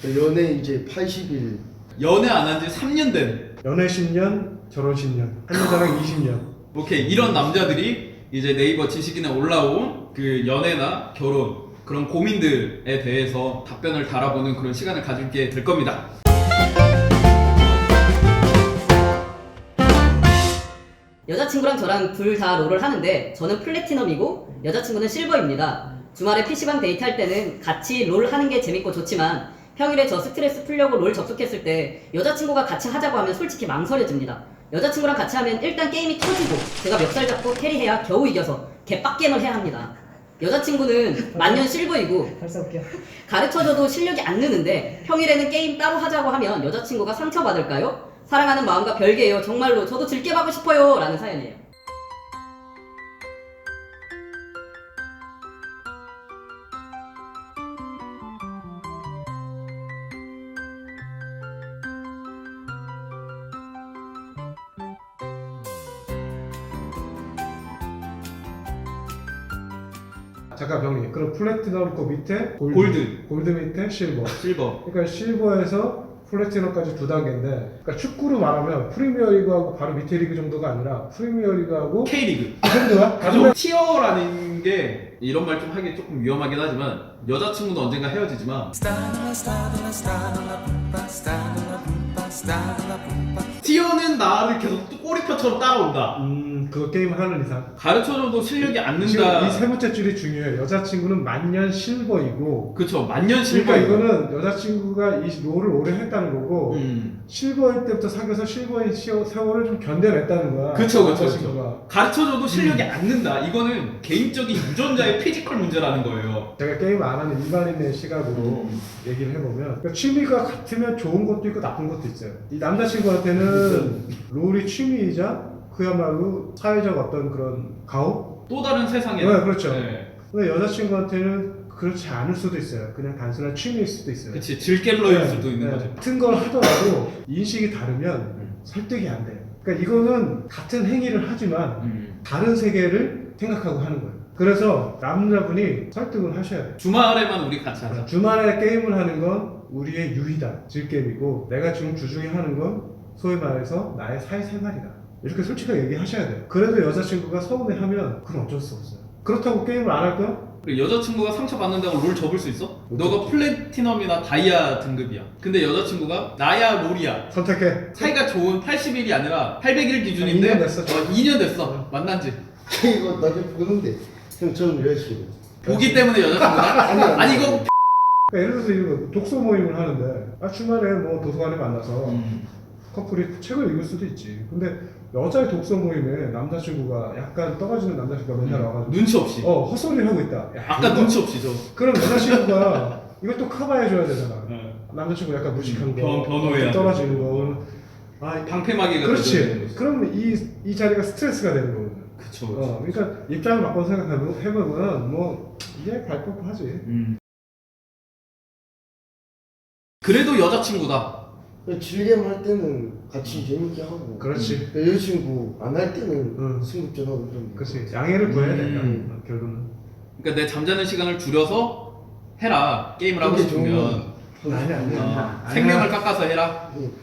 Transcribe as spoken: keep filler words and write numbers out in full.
연애 이제 팔십 일. 연애 안 한 지 삼 년 된. 연애 십 년, 결혼 십 년. 한 여자랑 이십 년. 오케이, 이런 남자들이 이제 네이버 지식인에 올라온 그 연애나 결혼 그런 고민들에 대해서 답변을 달아보는 그런 시간을 가질게 될 겁니다. 여자친구랑 저랑 둘 다 롤을 하는데 저는 플래티넘이고 여자친구는 실버입니다. 주말에 피시방 데이트할 때는 같이 롤 하는 게 재밌고 좋지만 평일에 저 스트레스 풀려고 롤 접속했을 때 여자친구가 같이 하자고 하면 솔직히 망설여집니다. 여자친구랑 같이 하면 일단 게임이 터지고 제가 멱살 잡고 캐리해야 겨우 이겨서 개빡게임을 해야 합니다. 여자친구는 만년 실버이고 가르쳐줘도 실력이 안 느는데 평일에는 게임 따로 하자고 하면 여자친구가 상처받을까요? 사랑하는 마음과 별개예요. 정말로 저도 즐겨 하고 싶어요. 라는 사연이에요. 잠깐 병리. 그럼 플래티넘 그 밑에 골드. 골드. 골드 밑에 실버. 실버. 그러니까 실버에서 플래티넘까지 두 단계인데, 그러니까 축구로 말하면 프리미어리그하고 바로 밑에 리그 정도가 아니라 프리미어리그하고 K리그. 그 정도야? 가족 티어라는 게 이런 말 좀 하기 조금 위험하긴 하지만 여자친구는 언젠가 헤어지지만 티어는 나를 계속 꼬리표처럼 따라온다. 음, 그거 게임 하는 이상. 가르쳐줘도 실력이 안 지금 는다. 이 세 번째 줄이 중요해. 여자친구는 만년 실버이고. 그쵸, 만년 실버. 그러니까 이거는 여자친구가 이 롤을 오래 했다는 거고, 음. 실버일 때부터 사귀어서 실버인 시어- 세월을 좀 견뎌냈다는 거야. 그쵸, 그쵸, 여자친구가. 그쵸. 가르쳐줘도 실력이 안 는다. 이거는 개인적인 유전자의 피지컬 문제라는 거예요. 제가 게임 안 하는 일반인의 시각으로 음. 얘기를 해보면, 그러니까 취미가 같으면 좋은 것도 있고 나쁜 것도 있어요. 이 남자친구한테는 롤이 취미이자 그야말로 사회적 어떤 그런 가혹? 또 다른 세상에. 네, 그렇죠. 네. 근데 여자친구한테는 그렇지 않을 수도 있어요. 그냥 단순한 취미일 수도 있어요. 그치, 질겜러일 네, 수도 있는 네. 거죠. 같은 걸 하더라도 인식이 다르면 음. 설득이 안 돼요. 그러니까 이거는 같은 행위를 하지만 음. 다른 세계를 생각하고 하는 거예요. 그래서 남자분이 설득을 하셔야 돼요. 주말에만 우리 같이 하자. 주말에 게임을 하는 건 우리의 유희다, 질게임이고, 내가 지금 주중에 하는 건 소위 말해서 나의 사회생활이다. 이렇게 솔직하게 얘기하셔야 돼요. 그래도 여자친구가 서운해하면 그건 어쩔 수 없어요. 그렇다고 게임을 안 할 거야? 그리고 여자친구가 상처받는다고 롤 접을 수 있어? 못 너가 접지. 플래티넘이나 다이아 등급이야. 근데 여자친구가 나야 롤이야. 선택해. 사이가 좋은 팔십 일이 아니라 팔백 일 기준인데 이 년 됐어. 어, 이 년 됐어. 만난 지. 이거 나중에 보는데. 형 저는 여자친구. 보기 때문에 여자친구가? 아니, 아니, 아니 이거 그러니까 예를 들어서 이런 거 독서 모임을 하는데, 아, 주말에 뭐 도서관에 만나서 음. 커플이 책을 읽을 수도 있지. 근데 여자의 독서 모임에 남자친구가 약간 떨어지는 남자친구가 맨날 와가지고 눈치 없이. 어 헛소리를 하고 있다. 야, 아까 이거- 눈치 없이 저. 그럼 여자친구가 이것도 커버해줘야 되잖아. 네. 남자친구 약간 무식한 음, 거, 변- 변호해야 떨어지는 거. 아, 방패막이가 그렇지. 되는 거지. 그러면 이, 이 자리가 스트레스가 되는 거거든. 그쵸. 어, 그러니까 입장을 바꿔 생각해보면 뭐 이제 갈 법하지. 음. 그래도 여자친구다. 즐겜 할 때는 같이 재밌게 하고. 그렇지. 여자친구 안 할 때는 응. 승급전하고 좀. 그렇지. 양해를 구해야 된다. 음. 어, 결론은. 그러니까 내 잠자는 시간을 줄여서 해라. 게임을 하고 그게 싶으면. 좋은 아니 아니. 어, 아니야. 생명을 깎아서 해라. 응.